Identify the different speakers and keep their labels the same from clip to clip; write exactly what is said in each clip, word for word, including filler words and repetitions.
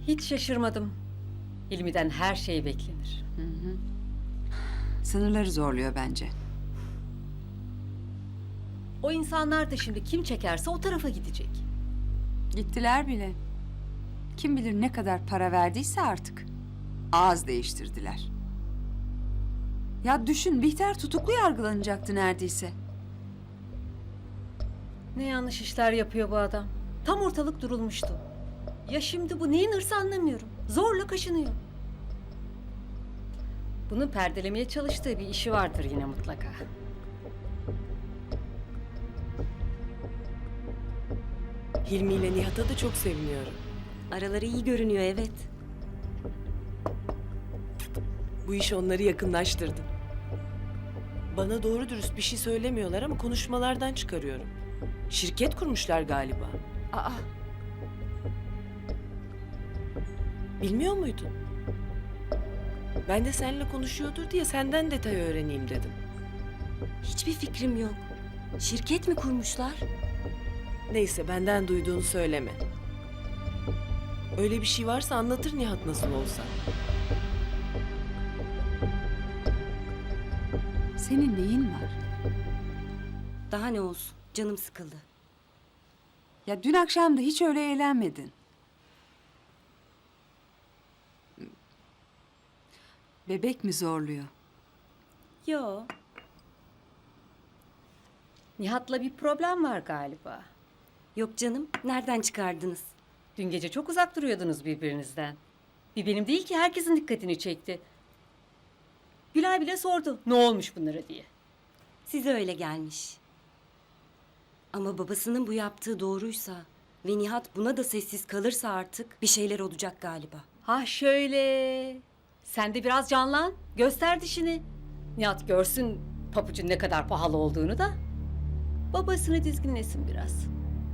Speaker 1: Hiç şaşırmadım. Hilmi'den her şey beklenir.
Speaker 2: Sınırları zorluyor bence.
Speaker 1: O insanlar da şimdi kim çekerse o tarafa gidecek.
Speaker 2: Gittiler bile. Kim bilir ne kadar para verdiyse artık. Ağız değiştirdiler. Ya düşün, Bihter tutuklu yargılanacaktı neredeyse.
Speaker 1: Ne yanlış işler yapıyor bu adam. Tam ortalık durulmuştu. Ya şimdi bu neyin hırsı anlamıyorum. Zorla kaşınıyor. Bunun perdelemeye çalıştığı bir işi vardır yine mutlaka.
Speaker 3: Hilmi ile Nihat'a da çok seviniyorum.
Speaker 4: Araları iyi görünüyor, evet.
Speaker 3: Bu iş onları yakınlaştırdı. Bana doğru dürüst bir şey söylemiyorlar ama konuşmalardan çıkarıyorum. Şirket kurmuşlar galiba.
Speaker 2: Aa,
Speaker 3: Bilmiyor muydun? Ben de seninle konuşuyordur diye senden detay öğreneyim dedim.
Speaker 4: Hiçbir fikrim yok. Şirket mi kurmuşlar?
Speaker 3: Neyse benden duyduğunu söyleme. Öyle bir şey varsa anlatır Nihat nasıl olsa.
Speaker 2: senin neyin var?
Speaker 4: Daha ne olsun, canım sıkıldı.
Speaker 2: Ya dün akşam da hiç öyle eğlenmedin. Bebek mi zorluyor?
Speaker 4: Yo,
Speaker 1: Nihat'la bir problem var galiba.
Speaker 4: yok canım. Nereden çıkardınız?
Speaker 1: Dün gece çok uzak duruyordunuz birbirinizden. Bir benim değil ki herkesin dikkatini çekti. Gülay bile sordu ne olmuş bunlara diye.
Speaker 4: Size öyle gelmiş. Ama babasının bu yaptığı doğruysa ve Nihat buna da sessiz kalırsa artık bir şeyler olacak galiba.
Speaker 1: Ha şöyle. Sen de biraz canlan. Göster dişini. Nihat görsün papucun ne kadar pahalı olduğunu da. Babasını dizginlesin biraz.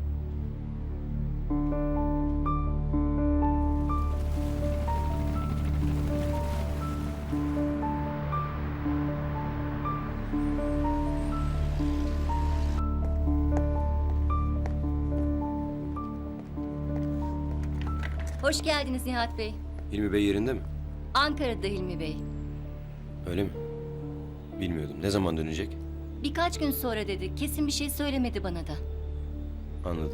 Speaker 5: Hoş geldiniz Nihat Bey.
Speaker 6: Hilmi Bey yerinde mi?
Speaker 5: Ankara'da Hilmi Bey.
Speaker 6: Öyle mi? Bilmiyordum. Ne zaman dönecek?
Speaker 5: Birkaç gün sonra dedi. Kesin bir şey söylemedi bana da.
Speaker 6: Anladım.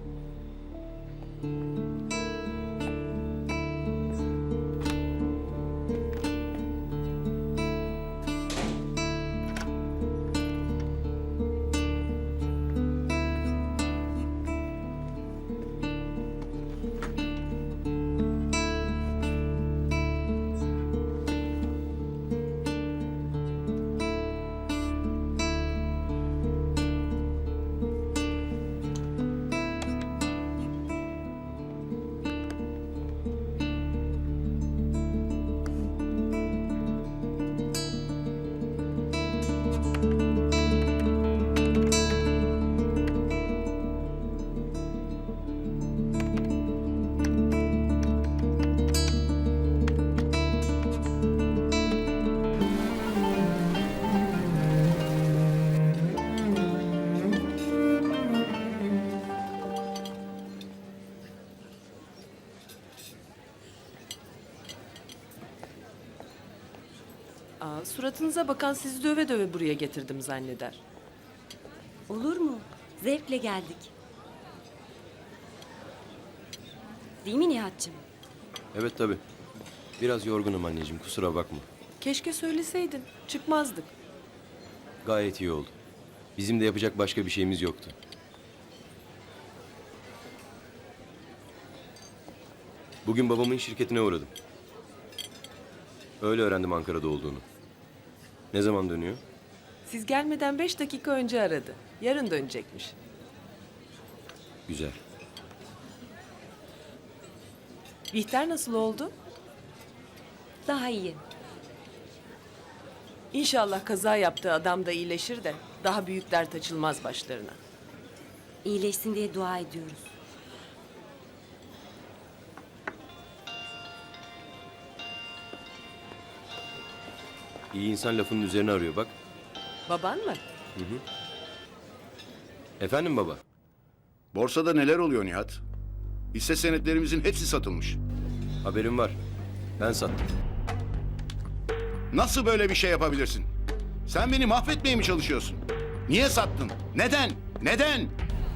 Speaker 3: Aa, suratınıza bakan sizi döve döve buraya getirdim zanneder.
Speaker 4: Olur mu? Zevkle geldik. Değil mi Nihat'cığım?
Speaker 6: Evet tabii. Biraz yorgunum anneciğim. Kusura bakma.
Speaker 3: Keşke söyleseydin. Çıkmazdık.
Speaker 6: Gayet iyi oldu. Bizim de yapacak başka bir şeyimiz yoktu. Bugün babamın şirketine uğradım. Öyle öğrendim Ankara'da olduğunu. Ne zaman dönüyor?
Speaker 3: Siz gelmeden beş dakika önce aradı. Yarın dönecekmiş.
Speaker 6: Güzel.
Speaker 3: Bihter nasıl oldu?
Speaker 4: Daha iyi.
Speaker 3: İnşallah kaza yaptığı adam da iyileşir de daha büyük dert açılmaz başlarına.
Speaker 4: İyileşsin diye dua ediyoruz.
Speaker 6: İyi insan lafının üzerine arıyor bak.
Speaker 3: Baban mı?
Speaker 6: Efendim baba?
Speaker 7: Borsada neler oluyor Nihat? Hisse senetlerimizin hepsi satılmış.
Speaker 6: Haberim var. Ben sattım.
Speaker 7: Nasıl böyle bir şey yapabilirsin? Sen beni mahvetmeye mi çalışıyorsun? Niye sattın? Neden? Neden?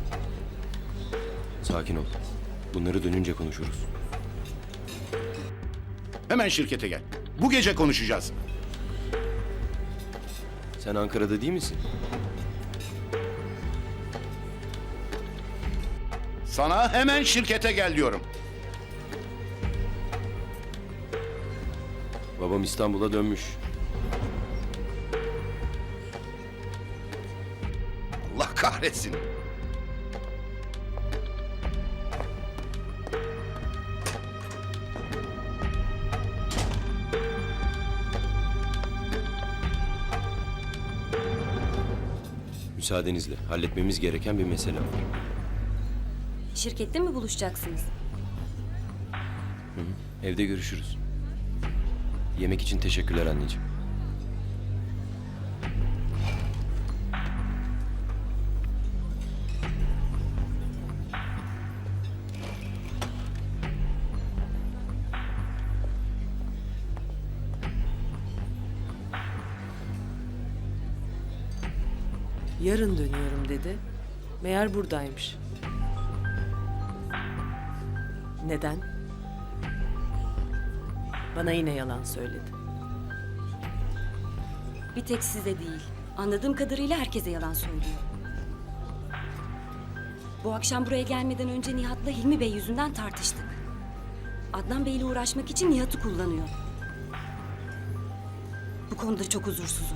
Speaker 6: Sakin ol. Bunları dönünce konuşuruz.
Speaker 7: Hemen şirkete gel. Bu gece konuşacağız.
Speaker 6: Sen Ankara'da değil misin?
Speaker 7: Sana hemen şirkete gel diyorum.
Speaker 6: Babam İstanbul'a dönmüş.
Speaker 7: Allah kahretsin.
Speaker 6: Müsaadenizle halletmemiz gereken bir mesele var.
Speaker 4: Şirkette mi buluşacaksınız?
Speaker 6: Evde görüşürüz. Yemek için teşekkürler anneciğim.
Speaker 3: Yarın dönüyorum dedi. Meğer buradaymış. Neden? Bana yine yalan söyledi.
Speaker 4: Bir tek size değil. Anladığım kadarıyla herkese yalan söylüyor. Bu akşam buraya gelmeden önce Nihat'la Hilmi Bey yüzünden tartıştık. Adnan Bey'le uğraşmak için Nihat'ı kullanıyor. Bu konuda çok huzursuzum.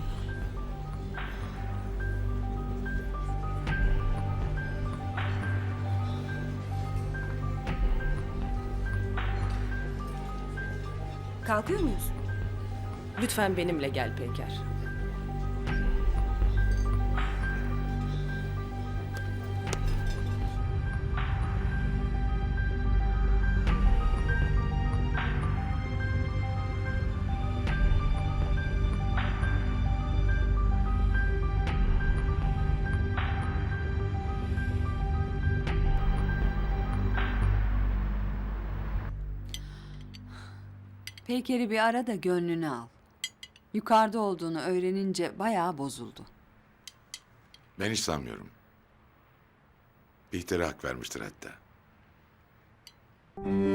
Speaker 4: Kalkıyor muyuz?
Speaker 3: Lütfen benimle gel Peker.
Speaker 2: Peyker'i bir ara da gönlünü al. Yukarıda olduğunu öğrenince bayağı bozuldu.
Speaker 8: Ben hiç sanmıyorum. Bihter'e hak vermiştir hatta.